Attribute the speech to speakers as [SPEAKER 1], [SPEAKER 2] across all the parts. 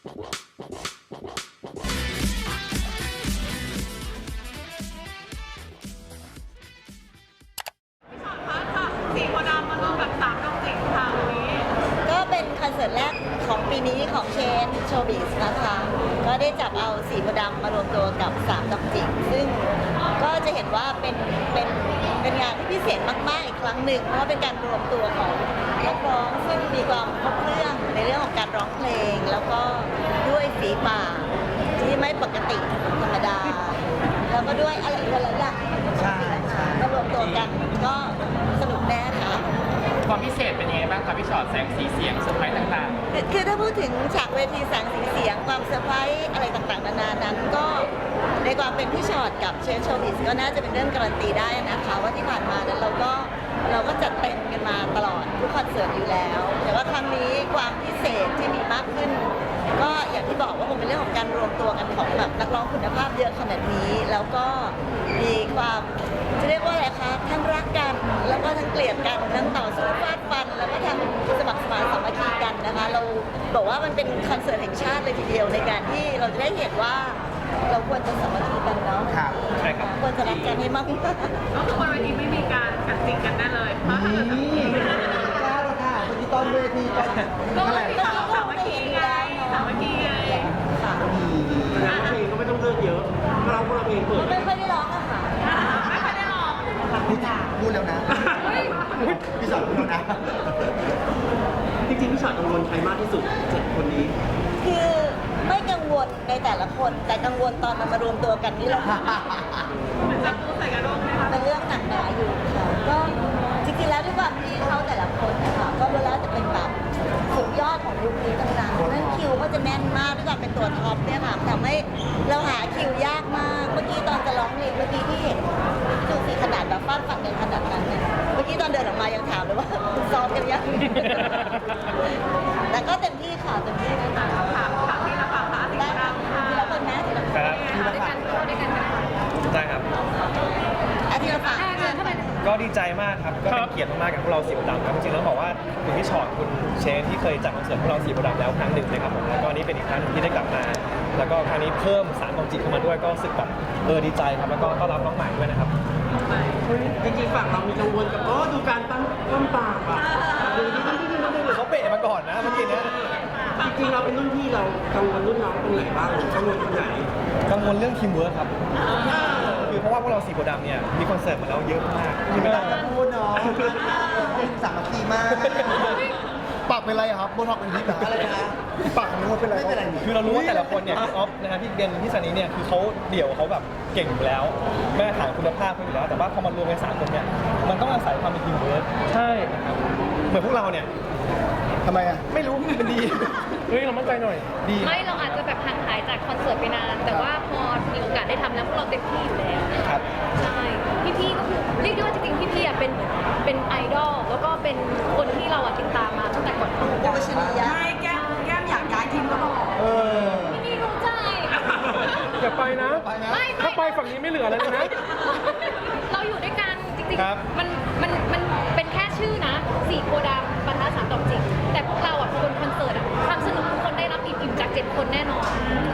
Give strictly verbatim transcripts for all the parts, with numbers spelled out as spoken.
[SPEAKER 1] ก็เป็นคอนเสิร์ตแรกของปีนี้ของเชนโชว์บิสนะคะก็ได้จับเอาสีโพธิ์ดำมารวมตัวกับสามดอกจิกซึ่งก็จะเห็นว่าเป็นเป็นเป็นงานที่พิเศษมากๆอีกครั้งหนึ่งเพราะว่าเป็นการรวมตัวของนักร้องซึ่งมีความครบเครื่องในเรื่องของการร้องเพลง แล้วก็ด้วยฝีปากที่ไม่ปกติธรรมดาแล้วก็ด้วยอะไรอีกหลายอย่างใช่มารวมตัวกันก็สนุกแน่ค่ะ
[SPEAKER 2] ความพิเศษเป็นยังไงบ้างครับพี่ชอตแสงสีเสียงเซอร์ไพรส์ต่าง
[SPEAKER 1] คือคือถ้าพูดถึงฉากเวทีแสงสีเสียงความเซอร์ไพรส์อะไรต่างๆนานานั้นก็ในความเป็นพี่ชอตกับเชนโชว์บิสก็น่าจะเป็นเรื่องการันตีได้นะคะว่าที่ผ่านมานั้นเราก็เราก็จัดเต็มกันมาตลอดทุกคอนเสิร์ตอยู่แล้ว แต่ว่าครั้งนี้ความพิเศษที่มีมากขึ้น ก็อย่างที่บอกว่าคงเป็นเรื่องของการรวมตัวกันของแบบนักร้องคุณภาพเยอะขนาดนี้ แล้วก็มีความจะเรียกว่าอะไรคะทั้งรักกันแล้วก็ทั้งเกลียดกันทั้งต่อสู้ฟาดฟันแล้วก็ทั้งสมัครสมานสามัคคีกันนะคะ เราบอกว่ามันเป็นคอนเสิร์ตแห่งชาติเลยทีเดียวในการที่เราจะได้เห็นว่าเราควรจะสามัคคีกันเนาะ
[SPEAKER 3] ครับ
[SPEAKER 2] ๆใช่ครับ
[SPEAKER 1] ควรจะรักกันให้มากที่สุด
[SPEAKER 4] ก็คือบนเวทีไม่มีการกัดจริงกันได้เลยเพราะถ้าเกิดแบบนี้
[SPEAKER 3] กล้าละค่ะเมื่อกี้ตอนเวทีกัน
[SPEAKER 4] ก็
[SPEAKER 3] เท่าไหร่
[SPEAKER 4] มีสาวสามัคคีไงสามัคคีไง
[SPEAKER 1] ค่ะ
[SPEAKER 5] แล้วเพลงก็ไม่ต้องเลือกเยอะเราคนละเพลงเปิด
[SPEAKER 1] ไม่ค่อยได้ร้องอะค่ะ
[SPEAKER 4] ไม่ค่อยได้ลอง
[SPEAKER 3] พูดแล้วนะพี่สอนพูดแล้วนะ
[SPEAKER 5] จริงๆพี่ชอตกังวลใครมากที่สุดเจ็ดคนนี้
[SPEAKER 1] คือไม่กังวลในแต่ละคนแต่กังวลตอนมันมารวมตัวกันนี่แหละค่ะ
[SPEAKER 4] เหมือนจับตัวใส่กระด้งไหมคะ
[SPEAKER 1] เป็นเรื่องหนักหนาอยู่ค่ะก็จริงๆแล้วด้วยความที่เขาแต่ละคนนะคะก็รู้แล้วจะเป็นแบบสุดยอดของยุคนี้ต่างๆนั่นคิวก็จะแน่นมากด้วยความเป็นตัวท็อปเนี่ยค่ะทำให้เราหาคิวยากมากเมื่อกี้ตอนจะร้องเพลงเมื่อกี้ที่เห็นดูสิขนาดแบบฟาดฟันกันขนาดนั้นเนี่ยเมื่อกี้ตอนเดินออกมายังถามเลยว่าซ้อมกันยัง แต่ก็เต็มที่ค่ะเต็มที่นะคะ
[SPEAKER 4] ถามถามที่ละฝั่งค่ะที่
[SPEAKER 1] ได้
[SPEAKER 4] ละ
[SPEAKER 1] ค่ะ
[SPEAKER 4] ฝั่ง
[SPEAKER 1] ทีละคนนะทีละคน
[SPEAKER 2] ครับ
[SPEAKER 4] ด้วยกันด้วยกัน
[SPEAKER 2] ได้ครับ
[SPEAKER 1] อ่ะทีละฝั่งเชิญเข้าไป
[SPEAKER 2] ก็ดีใจมากครับ ก็เป็นเกียรติมากๆกับพวกเราสีโพธิ์ดำครับจริงๆแล้วบอกว่าคุณพี่ชอตคุณเชนที่เคยจัดคอนเสิร์ตพวกเราสีโพธิ์ดำแล้วครั้งหนึ่งนะครับผมแล้วก็นี่เป็นอีกครั้งหนึ่งที่ได้กลับมา แล้วก็ครั้งนี้เพิ่มสารของจิตเข้ามาด้วยก็รู้สึกแบบเออดีใจครับแล้วก็ต้อนรับน้องใหม่ด้วยนะครับ
[SPEAKER 5] จริงๆฝั่งเรามีกังวลกับอ๋อดูการตั้งต้นปากอ่ะดูที่ที่ที่ที่ที่
[SPEAKER 2] เขาเบะมาก่อนนะเมื่อกี้เนี้ย
[SPEAKER 5] จริงๆเราเป็นรุ่นพี่เรากังวลรุ่นน้องตรงไหนบ้างกังวลตรงไหน
[SPEAKER 2] กังวลเรื่องทีมเวิร์คครับคือเพราะว่าพวกเราสีโพธิ์ดำเนี่ยมีคอนเสิร์ตมาแล้วเยอะมากใช่ไหมล่ะ
[SPEAKER 3] พูดเนาะสามัคคีมากปากเป็นไรครับโบท็อกเป็นพิษเหรออะไรนะปากนู้นเป็นไรไม่เป็นไร
[SPEAKER 2] คือเรารู้ว่าแต่ละคนเนี่ยพี่ออฟนะฮะพี่เบนพี่ซันนี่เนี่ยคือเขาเดี่ยวเขาแบบเก่งอยู่แล้วแม่ฐานคุณภาพเขาอยู่แล้ว แต่ว่าพอมารวมกันสามคนเนี่ยมันต้องอาศัยความเป็นทีมเวิร์คใช่นะครับเหมือนพวกเราเนี่ย
[SPEAKER 3] ทำไมอ่ะ
[SPEAKER 2] ไม่รู้มันดีเฮ้ยเรามั่นใจหน่อยดี
[SPEAKER 6] ไม่เราอาจจะแบบห่างหายจากคอนเสิร์ตไปนาน แต่ว่าพอมีโอกาสได้ทำแล้วพวกเราเต็มที่อยู่แล้ว
[SPEAKER 2] ครับ
[SPEAKER 6] ใช่พี่ๆก็คือเรียกได้ว่าจริงๆพี่ๆอ่ะเป็นเป็นไอดอลแล้วก็เป็นคนที่เราอ่ะติดตามมาตั้งแต่ก่อนเข้าวง
[SPEAKER 1] โอ
[SPEAKER 6] การ
[SPEAKER 1] ชนียะ
[SPEAKER 4] ไม่แก้มแก้มอยากย้ายทีมก็บอก
[SPEAKER 3] เออ
[SPEAKER 6] พี่ๆรู้ใจ
[SPEAKER 7] อย่าไปนะ
[SPEAKER 3] ไปนะ
[SPEAKER 6] ไม่
[SPEAKER 7] ถ้าไปฝั่งนี้ไม่เหลือแล้วนะ
[SPEAKER 6] เราอยู่ด้วยกันจริง
[SPEAKER 2] ครับ
[SPEAKER 6] ๆมันมันมันเป็นแค่ชื่อนะสี่โพธิ์ดำปะทะสามดอกจิกแต่พวกเราอ่ะคนคอนเสิร์ตอ่ะความสนุกทุกคนได้รับอิ่มๆจากเจ็ดคนแน่นอน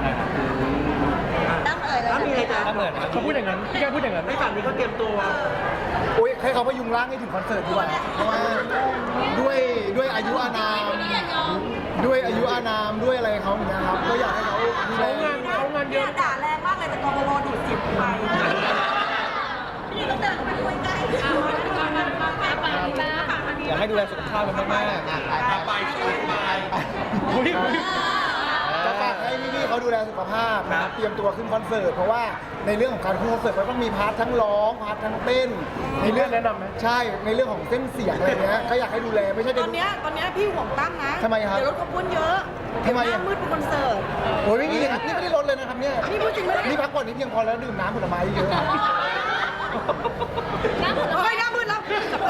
[SPEAKER 1] ตั้งเอ่ยเลย
[SPEAKER 5] ถ้ามีอะไรจะ
[SPEAKER 2] ถ้าเหมือนครับ
[SPEAKER 7] เขาพูดอย่างนั้นพี่แกพูดอย่างนั้น
[SPEAKER 5] ให้ฝั่งนี้ก็เตรียมตัว
[SPEAKER 3] โอ้ยให้เขาพยุงร่างให้ถึงคอนเสิร์ตดีกว่าเพราะว่าด้วยด้วยอายุอานามด้วยอายุอานามด้วยอะไรเขาอย่างเงี้ยครับก็อยากให้เขาดูแล
[SPEAKER 7] เขางานเขางานเยอะ
[SPEAKER 4] ด่าแรงมากเลยแต่กบฏดูดจิตไปนี่ต้องเดินเข้าไปคุยใกล้เอาไปไปไปไปไป
[SPEAKER 2] อยากให้ดูแลสุขภาพกันมากๆ
[SPEAKER 5] ไปไป
[SPEAKER 7] อุ๊ยอุ๊ย
[SPEAKER 3] จะฝากให้พี่ๆเขาดูแลสุขภาพนะครับเตรียมตัวขึ้นคอนเสิร์ตเพราะว่าในเรื่องของการขึ้นคอนเสิร์ตมันต้องมีพาร์ททั้งร้องพาร์ททั้งเต้นในเรื่อง
[SPEAKER 7] แนะนำไหม
[SPEAKER 3] ใช่ในเรื่องของเส้นเสียงอะไรเงี้ยก็อยากให้ดูแลไม่ใช่
[SPEAKER 4] ต
[SPEAKER 3] จะ
[SPEAKER 4] อน
[SPEAKER 3] ดู
[SPEAKER 4] เนี้ยตอนเนี้ยพี่ห่วงตั้มนะ
[SPEAKER 3] ทำไมครับ
[SPEAKER 4] เดี๋ยวรถขบวนเยอะ
[SPEAKER 3] ทำไม
[SPEAKER 4] ห
[SPEAKER 3] อ่ะ
[SPEAKER 4] น้ามืดเป็นคอนเสิร์ต
[SPEAKER 3] โอ้ยไม่มีครับนี่ไม่ได้ลดเลยนะครับเนี่ย
[SPEAKER 4] นี่พูดจริงไม่ได้
[SPEAKER 3] นี่พักผ่อนนี่เพียงพอแล้วดื่มน้ำผลไม้เยอะครับ
[SPEAKER 6] น้ำผลไม้
[SPEAKER 4] เฮ้ยหน้ามืดแล้ว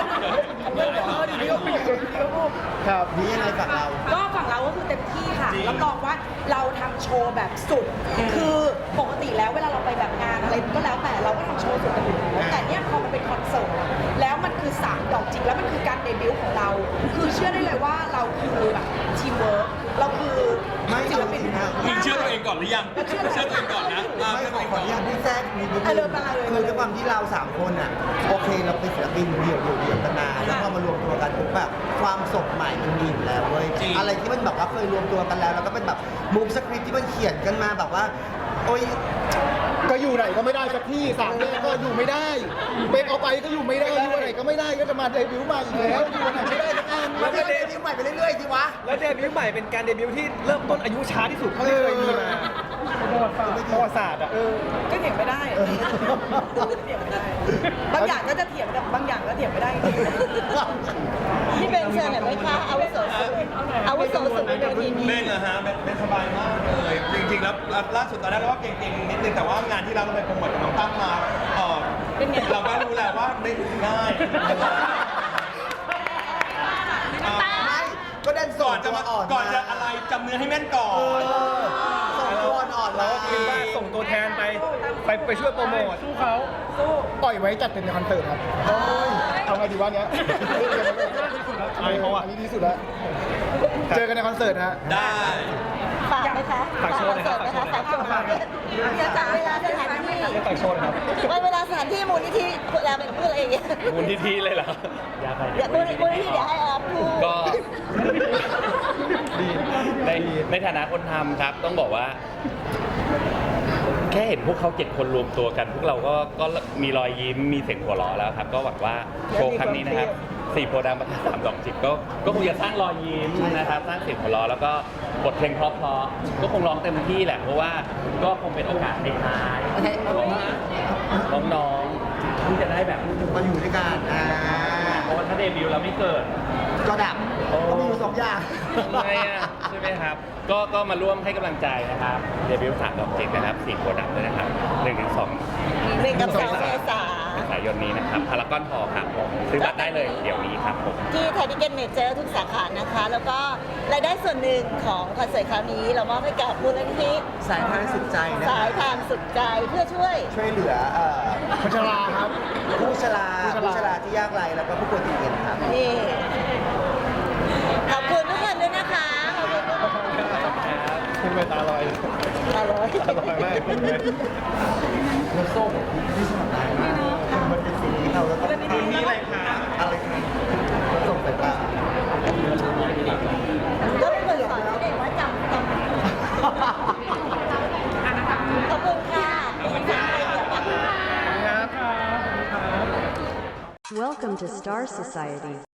[SPEAKER 3] ครับนี่ยังไงฝากเรา
[SPEAKER 4] ก็ฝั่งเราก็คือเต็มที่ค่ะรับรองว่าเราทำโชว์แบบสุด คือปกติแล้วเวลาเราไปแบบงานอะไรก็แล้วแต่เราก็ทำโชว์สุดกันอยู่แล้วแต่เนี่ยพอมันเป็นคอนเสิร์ตอะแล้วมันคือสามดอกจิกแล้วมันคือการเดบิวต์ของเรา คือเชื่อได้เลยว่าเราคือแบบทีมเวิร์กเราคือ
[SPEAKER 3] ไม่
[SPEAKER 4] ศิลปิน
[SPEAKER 3] นะ
[SPEAKER 8] ฮะ
[SPEAKER 9] มึงเชื่อตัวเองก่อนหรือยัง เชื่อตัวเองก่อนนะอ่า
[SPEAKER 8] ไม่
[SPEAKER 9] เชื่อ
[SPEAKER 8] ข
[SPEAKER 9] ตั
[SPEAKER 8] อ
[SPEAKER 9] วเองก่อน
[SPEAKER 8] ขออนุญาตพี่แจ๊คมีนิดนึง
[SPEAKER 4] อ่ะเดินมาเลย
[SPEAKER 8] คือด้วยความที่เราสามคนอ่ะโอเคเราเป็นศิลปินเดี่ยวเดี่ยวเดี่ยวกันมาแล้วพอมารวมตัวกันปุ๊บแบบความสดใหม่มันมีอยู่แล้วเว้ยอะไรที่มันแบบว่าเคยรวมตัวกันแล้วแล้วก็เป็นแบบมุกสคริปต์ที่มันเขียนกันมาแบบว่าโอ้ย
[SPEAKER 3] ก็อยู่ไหนก็ไม่ได้สักที่สามแยกก็อยู่ไม่ได้เบรกเอาไปก็อยู่ไม่ได้อยู่ไหนก็ไม่ได้ก็จะมาเดบิวต์ใหม่อีกแล้วอยู่ไหนไม่ได้สักอัน
[SPEAKER 8] มันก็เดบิวต์ใหม่ไปเรื่อยๆสิวะ
[SPEAKER 2] แล้วเดบิวต์ใหม่เป็นการเดบิวต์ที่เริ่มต้นอายุช้าที่สุดเท่าที่เคยมีมาประวัติศาสตร์อ่ะ
[SPEAKER 4] ก็เถียงไม่ได้เถียงไม่ได้ บางอย่างก็จะเถียงแต่บางอย่างก็เถียงไม่ได้จริง
[SPEAKER 1] พี่เบนเชิญหน่อยไหมคะอาวุโสสุดอาวุโสสุดในเวทีนี้
[SPEAKER 9] เล่นนะฮะเป็นเป็นสบายมากเลย จริงๆ แล้วล่าสุดตอนแรกเราก็เก่งๆ นิดนึง แต่ว่างานที่เราไปโปรโมทกับน้องตั้มมาเออเราก็รู้แหละว่าไม่ง่าย
[SPEAKER 8] ไม่ก็เดินส่
[SPEAKER 9] ก่
[SPEAKER 8] ง
[SPEAKER 9] อนจะ
[SPEAKER 8] ตัว
[SPEAKER 9] มา
[SPEAKER 8] อ่อน
[SPEAKER 9] ก่อนจะอะไรจำเนื้อให้แม่นก่อน
[SPEAKER 8] ส่งตัวอ่อนๆ
[SPEAKER 2] เรา
[SPEAKER 8] มา
[SPEAKER 2] ก็คิดว่าส่งตัวแทนไปไปไปช่วยโปรโมท
[SPEAKER 7] สู้เขา
[SPEAKER 3] ปล่อยไว้จัดเป็นคอนเสิร์ตครับโอ้ยเอาไงดีวะเนี้ย
[SPEAKER 2] อายเขาอะ
[SPEAKER 3] นนี้ดีสุดแล้วเจอกันในคอนเสิร์ตฮะ
[SPEAKER 9] ได้
[SPEAKER 1] ฝากไหมคะ
[SPEAKER 2] ฝากโชว์หน่อยครับ
[SPEAKER 1] ฝากโชว์นะคะฝากโชว์ค่ะเดี๋ยวจากเวลาสถานที่
[SPEAKER 2] เรียกต่างโชว์นะครับ
[SPEAKER 1] วันเวลาสถานที่มูลนิธิเวลาเป็นพูดอะไรอย่างเงี้ย
[SPEAKER 10] มูลนิธิเลยเหรอ
[SPEAKER 1] เดี๋ยวมูลนิธิมูลนิธิเดี๋ยวให้ออฟพูด
[SPEAKER 10] ก็ ในในฐานะคนทำครับ ต้องบอกว่า แค่เห็นพวกเขาเจ็ดคนรวมตัวกัน พวกเราก็ก็มีรอยยิ้มมีเสียงหัวเราะแล้วครับ ก็หวังว่าโชว์ครั้งนี้นะครับสี่โพธิ์ดำประทัดสามดอกจิบก็ก็คงจะสร้างรอยยิ้มนะครับ สร้างเสียงหัวเราะแล้วก็บทเพลงเพราะๆก็คงร้องเต็มที่แหละ เพราะว่าก็คงเป็นโอกาสในท้ายของน้องๆที่จะได้แบบ
[SPEAKER 8] มาอยู่ด้วยกันอ่า
[SPEAKER 10] เพราะว่าถ้าเดบิวต์แล้วไม่เกิด
[SPEAKER 8] ก็ดับก็มีอยู่สองอย่าง
[SPEAKER 10] ทำไมอ่ะใช่ไหมครับ ก็ก็มาร่วมให้กำลังใจนะครับเดบิวต์สามดอกจิกนะครับสี่โพธิ์ดำด้วยนะครับหนึ่งถึงสอง
[SPEAKER 1] หนึ่งกับสองเมษา
[SPEAKER 10] เมษายนนี้นะครับพารากอนฮอลล์ครับผมซื้อบัตรได้เลยเดี๋ยวนี้ครับผม
[SPEAKER 1] ที่ไทยทิเก็ตเมเจอร์ทุกสาขานะคะ แล้วก็รายได้ส่วนหนึ่งของคอนเสิร์ตคราวนี้ เรามอบให้กับมูลนิธิ
[SPEAKER 8] สายทานสุดใจนะ
[SPEAKER 1] สายทานสุดใจเพื่อช่วย
[SPEAKER 8] ช่วยเหลือเอ่อ
[SPEAKER 3] คนชราครับ
[SPEAKER 8] ผู้ชรา
[SPEAKER 3] ผู้ชรา
[SPEAKER 8] ผู้ชราที่ยากไร้แล้วก็ผู้ป่วยติดเตียงครับ
[SPEAKER 1] นี่ ขอบคุณทุกคนด้วยนะคะ ขอบคุณทุกคน
[SPEAKER 2] คุณไปตาลอย
[SPEAKER 1] อร่อย
[SPEAKER 2] ตาลอยมากเลย
[SPEAKER 8] แล้วส้มที่สมัครได้มากมันเป็นสิ่งที่เราต้องทำ
[SPEAKER 9] มีอะไรคะ
[SPEAKER 8] อะไรครับแล้วส้มไปตา
[SPEAKER 1] ก็เป็นคนสอนเด็กว่าจำจำขอบคุณค่ะ ขอบคุณค่ะ
[SPEAKER 7] ครับ
[SPEAKER 11] Welcome to Star Society.